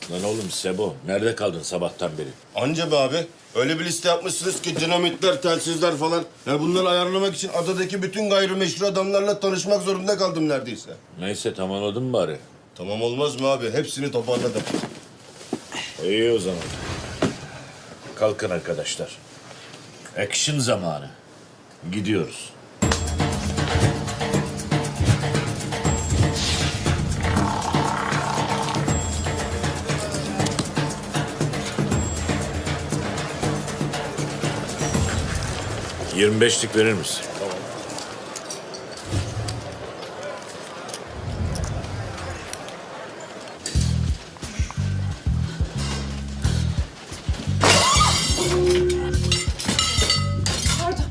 Lan oğlum Sebo, nerede kaldın sabahtan beri? Anca be abi. Öyle bir liste yapmışsınız ki dinamitler, telsizler falan. Ya bunları ayarlamak için adadaki bütün gayrimeşru adamlarla tanışmak zorunda kaldım neredeyse. Neyse tamamladın mı bari? Tamam olmaz mı abi? Hepsini toparladım. İyi o zaman. Kalkın arkadaşlar. Action zamanı. Gidiyoruz. Tamam. 25'lik verir misin? Tamam. Pardon.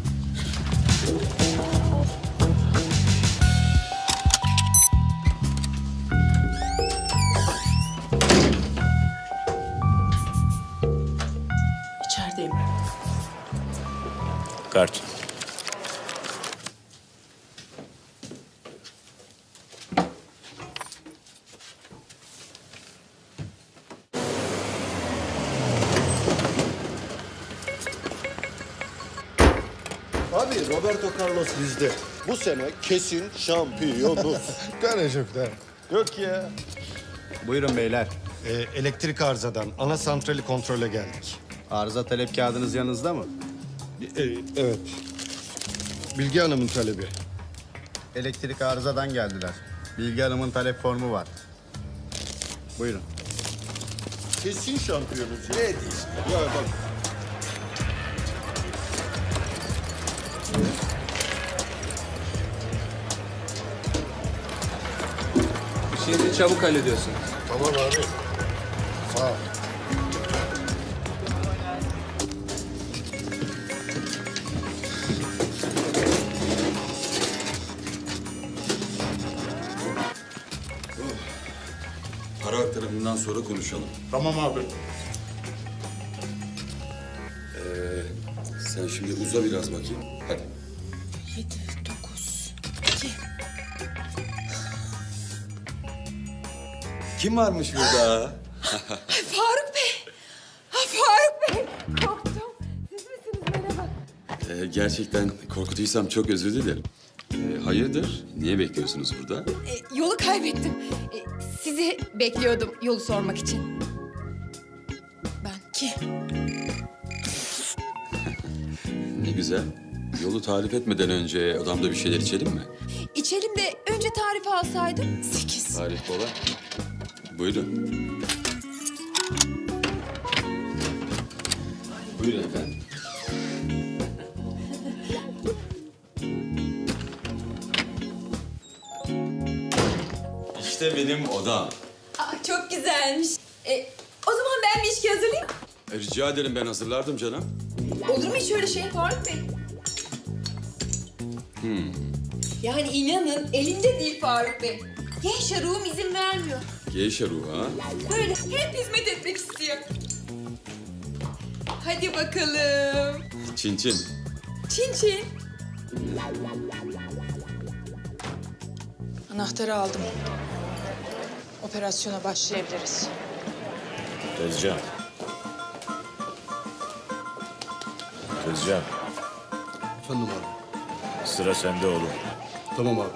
İçerideyim. Kart. Abi Roberto Carlos bizde. Bu sene kesin şampiyonuz. Tane çok tane. Yok ya. Buyurun beyler. Elektrik arızadan ana santrali kontrole geldik. Arıza talep kağıdınız yanınızda mı? Evet. Bilge Hanım'ın talebi. Elektrik arızadan geldiler. Bilge Hanım'ın talep formu var. Buyurun. Kesin şampiyonuz. Ne diyorsun? Ya bak. İşinizi çabuk hallediyorsunuz. Tamam abi. Sağ ol. Para aktarımından sonra konuşalım. Tamam abi. Sen şimdi uza biraz bakayım. Hadi. 7, 9, 2. Kim varmış burada? Faruk Bey. Faruk Bey. Korktum. Siz misiniz? Merhaba. Gerçekten korkutuysam çok özür dilerim. Hayırdır? Niye bekliyorsunuz burada? Yolu kaybettim. Sizi bekliyordum yolu sormak için. Ben ki. Ne güzel. Yolu tarif etmeden önce odamda bir şeyler içelim mi? İçelim de önce tarifi alsaydım. 8. Tarif kolay. Buyurun. Buyurun efendim. İşte benim odam. Çok güzelmiş. O zaman ben bir içki hazırlayayım. Rica ederim, ben hazırlardım canım. Olur mu hiç öyle şey Faruk Bey? Yani inanın elimde değil Faruk Bey. Genç ruhum izin vermiyor. Geyşe ruhu ha. Böyle hep hizmet etmek istiyor. Hadi bakalım. Çin çin. Çin çin. Anahtarı aldım. Operasyona başlayabiliriz. Tezcan. Tezcan, Efendim abi. sıra sende oğlum. Tamam abi.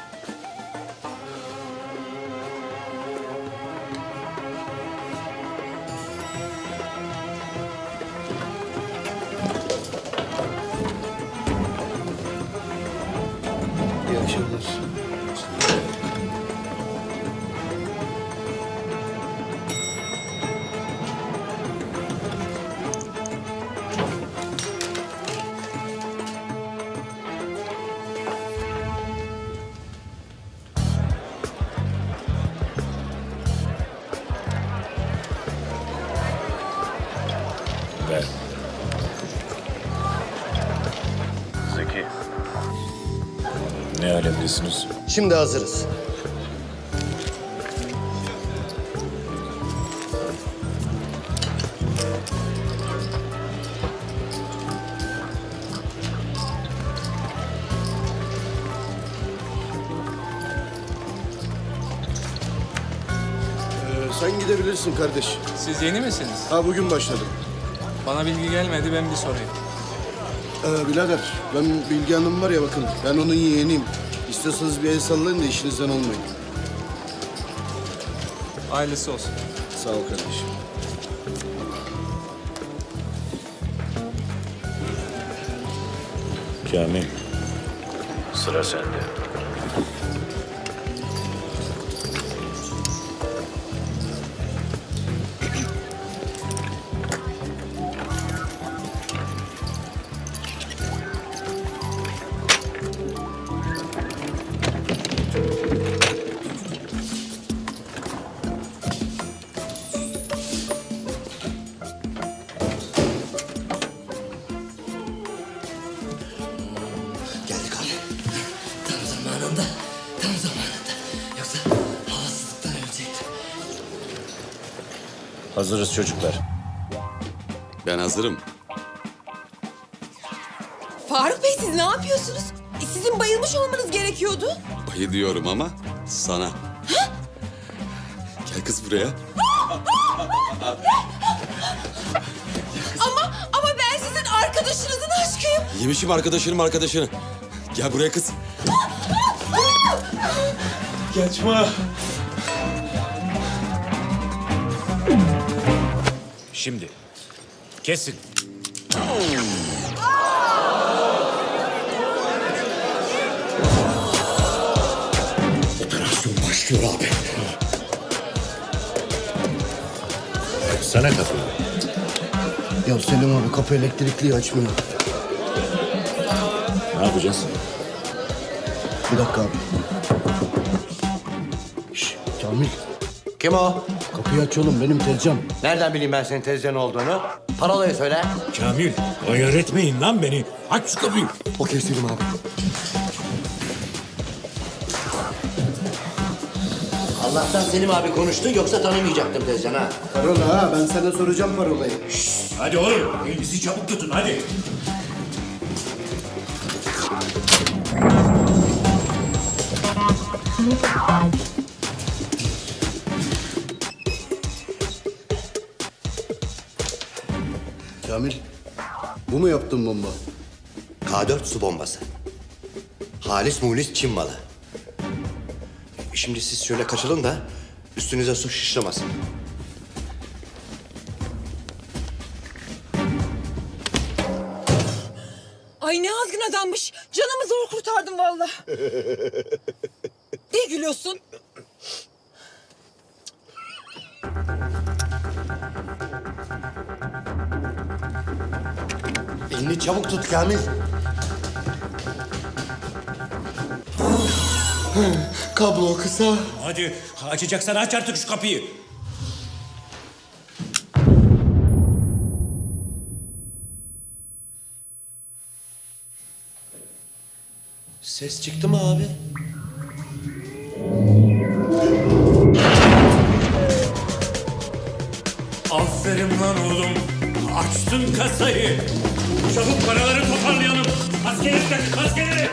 İyi akşamlar. Ver. Zeki. Ne alemdesiniz? Şimdi hazırız. sen gidebilirsin kardeş. Siz yeni misiniz? Ha bugün başladım. Bana bilgi gelmedi, ben bir sorayım. Birader ben Bilge Hanım var ya bakın ben onun yeğeniyim. İstiyorsanız bir el sallayın da işinizden olmayın. Hayırlısı olsun. Sağ ol kardeşim. Kamil. Sıra sende. Geldik abi. Tam zamanında, tam zamanında. Yoksa havasızlıktan ölecektim. Hazırız çocuklar. Ben hazırım. Faruk Bey siz ne yapıyorsunuz? Sizin bayılmış olmanız gerekiyordu. Bayı diyorum ama sana. Gel kız buraya. Ama ben sizin arkadaşınızın aşkıyım. Yemişim arkadaşını. Gel buraya kız. Şimdi. Kesin. Operasyon başlıyor abi. Sana kapı. Ya Selim abi kapı elektrikliyi açmıyor. Ne yapacağız? Bir dakika abi. Şş, Kamil Kim o? kapıyı aç oğlum benim tezcan. Nereden bileyim ben senin tezcan olduğunu? Parolayı söyle. Kamil, ayar etmeyin lan beni. Aç şu kapıyı. Okey Selim abi. Allah'tan Selim abi konuştu yoksa tanımayacaktım tezcan ha. Parola ha ben sana soracağım parolayı. Hadi oğlum, elinizi çabuk tutun hadi. Kamil bu mu yaptın bomba? K4 su bombası. Halis mulis Çin malı. Şimdi siz şöyle kaçalım da üstünüze su şişlemesin. Ay ne azgın adammış. Canımı zor kurtardım vallahi. Ne gülüyorsun? Elini çabuk tut Kamil. Kablo kısa. Hadi, açacaksan aç artık şu kapıyı. Ses çıktı mı abi? Aferin lan oğlum. Açtın kasayı. Çabuk paraları toparlayalım. Askerleri takın, askerleri.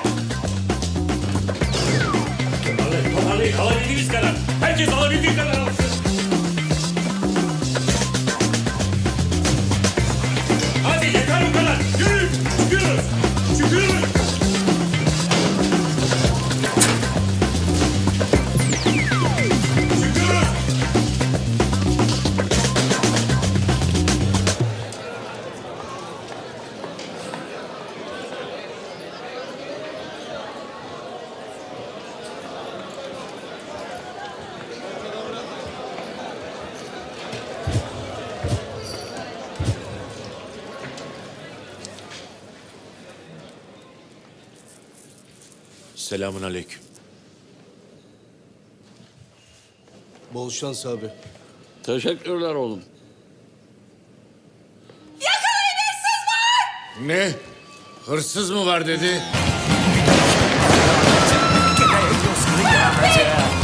Toparlayın, alabildiğiniz kadar. Herkes alabildiği kadar alsın. Hadi yeter bu kadar. Yürüyün, çıkıyoruz. Çıkıyoruz. Çıkıyoruz. Selamun aleyküm. Bol şans abi. Teşekkürler oğlum. Ne? Hırsız mı var dedi?